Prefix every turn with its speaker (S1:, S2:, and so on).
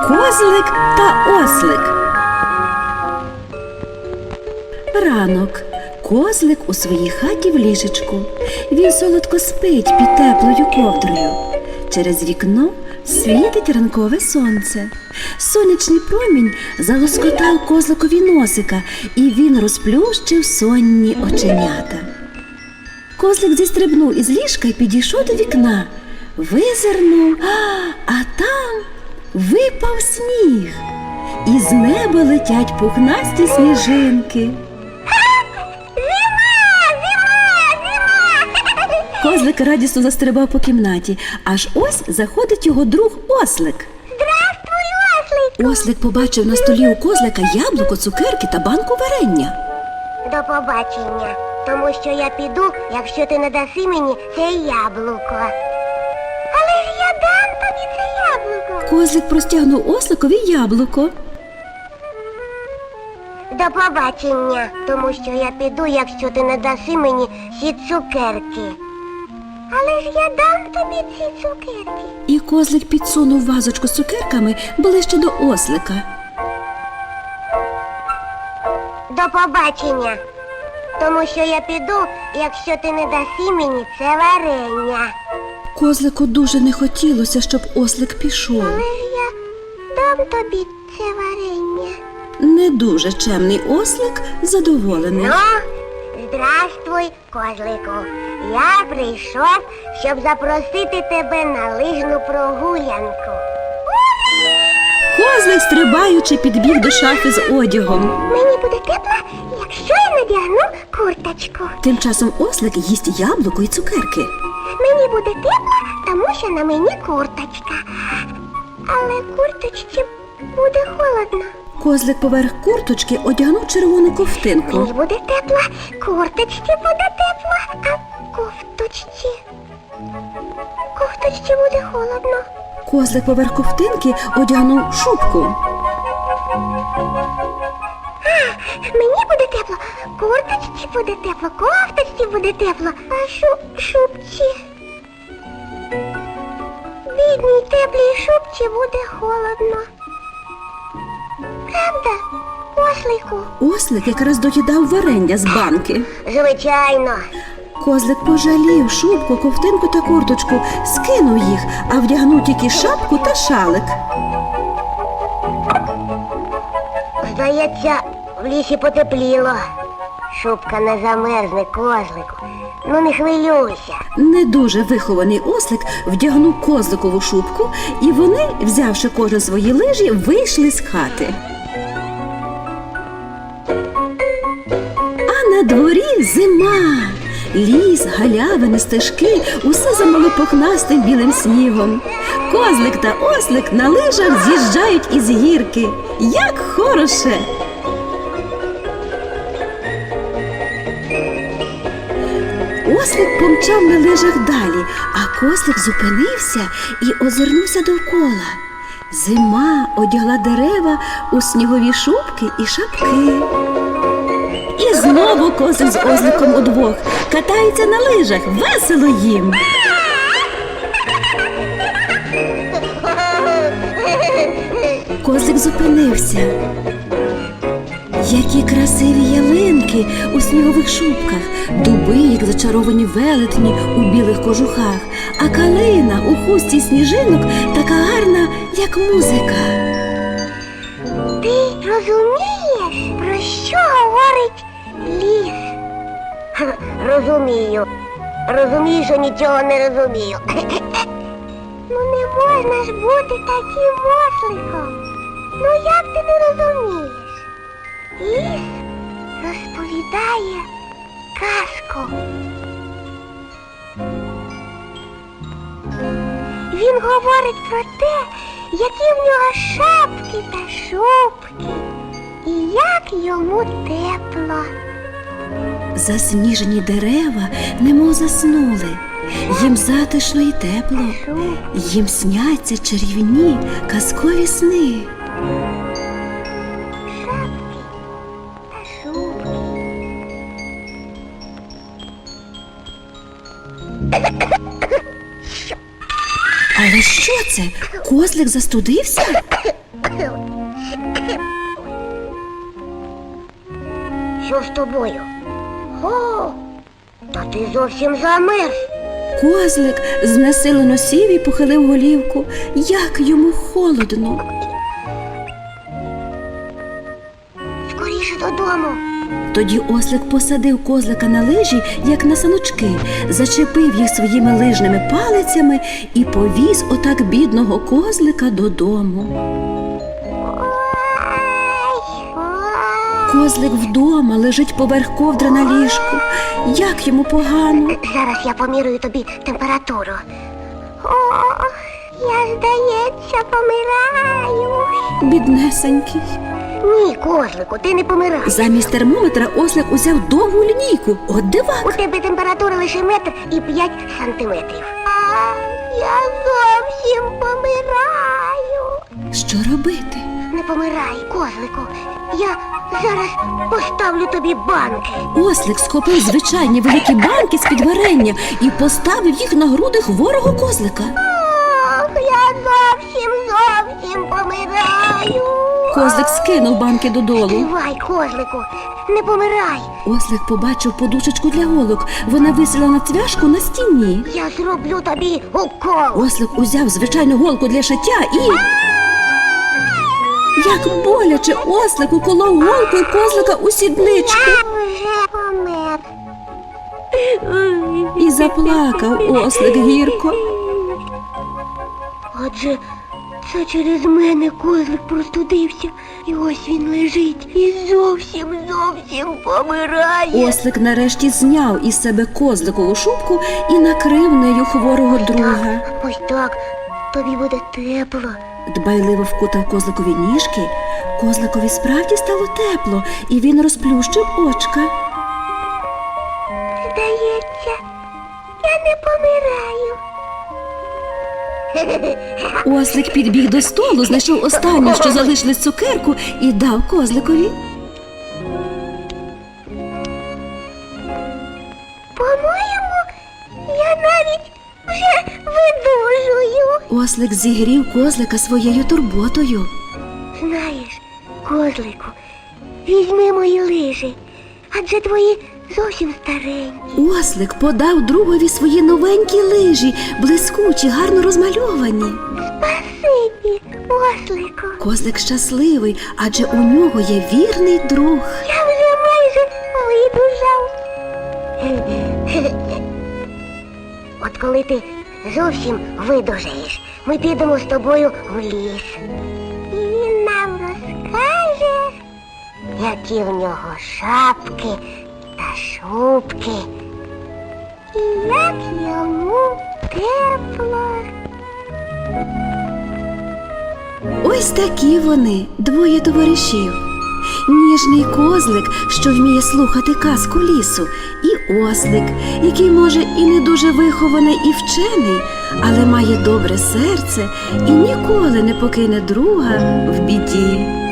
S1: Козлик та ослик. Ранок. Козлик у своїй хаті в ліжечку. Він солодко спить під теплою ковдрою. Через вікно світить ранкове сонце. Сонячний промінь залоскотав козликові носика, і він розплющив сонні оченята. Козлик зістрибнув із ліжка і підійшов до вікна. Визирнув, а там випав сніг. І з неба летять пухнасті сніжинки. Козлик радісно застрибав по кімнаті, аж ось заходить його друг ослик.
S2: Здравствуй, ослику!
S1: Ослик побачив на столі у козлика яблуко, цукерки та банку варення.
S2: До побачення, тому що я піду, якщо ти не даси мені це яблуко. Але ж я дам тобі це яблуко.
S1: Козлик простягнув осликові яблуко.
S2: До побачення, тому що я піду, якщо ти не даси мені ці цукерки. Але ж я дам тобі ці цукерки.
S1: І козлик підсунув вазочку з цукерками ближче до ослика.
S2: До побачення, тому що я піду, якщо ти не даси мені це варення.
S1: Козлику дуже не хотілося, щоб ослик пішов.
S2: Але ж я дам тобі це варення.
S1: Не дуже чемний ослик задоволений.
S2: Ну, здравствуй, козлику. Я прийшов, щоб запросити тебе на лижну прогулянку.
S1: Козлик, стрибаючи, підбіг до шафи з одягом.
S2: Мені буде тепло, якщо я надягну курточку.
S1: Тим часом ослик їсть яблуко і цукерки.
S2: Мені буде тепло, тому що на мені курточка. Але курточці буде холодно.
S1: Козлик поверх курточки одягнув червону ковтинку.
S2: Мені буде тепло, курточці буде тепло, а кофточці буде холодно.
S1: Козлик поверх ковтинки одягнув шубку.
S2: Мені буде тепло, курточці буде тепло, кофточці буде тепло, а шубці. Бідній теплій шубці буде холодно. Правда, ослику?
S1: Ослик якраз доїдав варення з банки.
S2: Звичайно.
S1: Козлик пожалів шубку, ковтинку та курточку, скинув їх, а вдягнув тільки шапку та шалик.
S2: Здається, в лісі потепліло. Шубка не замерзне, козлику. Ну не хвилюйся.
S1: Не дуже вихований ослик вдягнув козликову шубку, і вони, взявши кожен свої лижі, вийшли з хати. А на дворі зима. Ліс, галявини, стежки – усе замало пухнастим білим снігом. Козлик та ослик на лижах з'їжджають із гірки. Як хороше! Ослик помчав на лижах далі, а козлик зупинився і озирнувся довкола. Зима одягла дерева у снігові шубки і шапки. І знову козлик з осликом удвох катаються на лижах, весело їм. Козлик зупинився. Які красиві ялинки у снігових шубках, дуби, як зачаровані велетні у білих кожухах, а калина у хустці сніжинок така гарна, як музика.
S2: Ти розумієш, про що говорить ліс? Розумію. Розумію, що нічого не розумію. Ну не можна ж бути таким осликом. Ну як ти не розумієш? Ліс розповідає казку. Він говорить про те, які в нього шапки та шубки, і як йому тепло.
S1: Засніжені дерева немов заснули. Їм затишно і тепло. Їм сняться чарівні казкові сни.
S2: Шапки та шубки.
S1: Але що це? Козлик застудився?
S2: Що з тобою? О, та ти зовсім замерз.
S1: Козлик знесилено сів і похилив голівку. Як йому холодно.
S2: Скоріше додому.
S1: Тоді ослик посадив козлика на лижі, як на саночки, зачепив їх своїми лижними палицями і повіз отак бідного козлика додому. Козлик вдома лежить поверх ковдри на ліжку. Як йому погано.
S2: Зараз я помірюю тобі температуру. О, я, здається, помираю.
S1: Біднесенький.
S2: Ні, козлику, ти не помираєш.
S1: Замість термометра ослик узяв довгу лінійку. От
S2: У
S1: дивак.
S2: тебе температура лише 1,5 сантиметрів. Я зовсім помираю.
S1: Що робити?
S2: Не помирай, козлику. Я зараз поставлю тобі банки.
S1: Ослик схопив звичайні великі банки з-під варення і поставив їх на груди хворого козлика.
S2: Ох, я зовсім помираю.
S1: Козлик скинув банки додолу.
S2: Тривай, козлику, не помирай.
S1: Ослик побачив подушечку для голок. Вона висіла на цвяшку на стіні.
S2: Я зроблю тобі укол.
S1: Ослик узяв звичайну голку для шиття і... Як боляче ослик уколов голкою козлика у сідничку.
S2: Я вже помер.
S1: І заплакав ослик гірко.
S2: Отже, це через мене козлик простудився. І ось він лежить і зовсім помирає.
S1: Ослик нарешті зняв із себе козликову шубку і накрив нею хворого друга.
S2: Ось так, тобі буде тепло.
S1: Дбайливо вкутав козликові ніжки. Козликові справді стало тепло, і він розплющив очка.
S2: Здається, я не помираю.
S1: Ослик підбіг до столу, знайшов останню, що залишилось цукерку, і дав козликові.
S2: По-моєму, я навіть вже видужую.
S1: Ослик зігрів козлика своєю турботою.
S2: Знаєш, козлику, візьми мої лижі, адже твої зовсім старенькі.
S1: Ослик подав другові свої новенькі лижі, блискучі, гарно розмальовані.
S2: Спасибі, ослику.
S1: Козлик щасливий, адже у нього є вірний друг.
S2: Я вже майже видужав. От коли ти зовсім видужаєш, ми підемо з тобою в ліс. І він нам розкаже, які в нього шапки та шубки. І як йому тепло.
S1: Ось такі вони, двоє товаришів. Ніжний козлик, що вміє слухати казку лісу, і ослик, який, може, і не дуже вихований і вчений, але має добре серце і ніколи не покине друга в біді.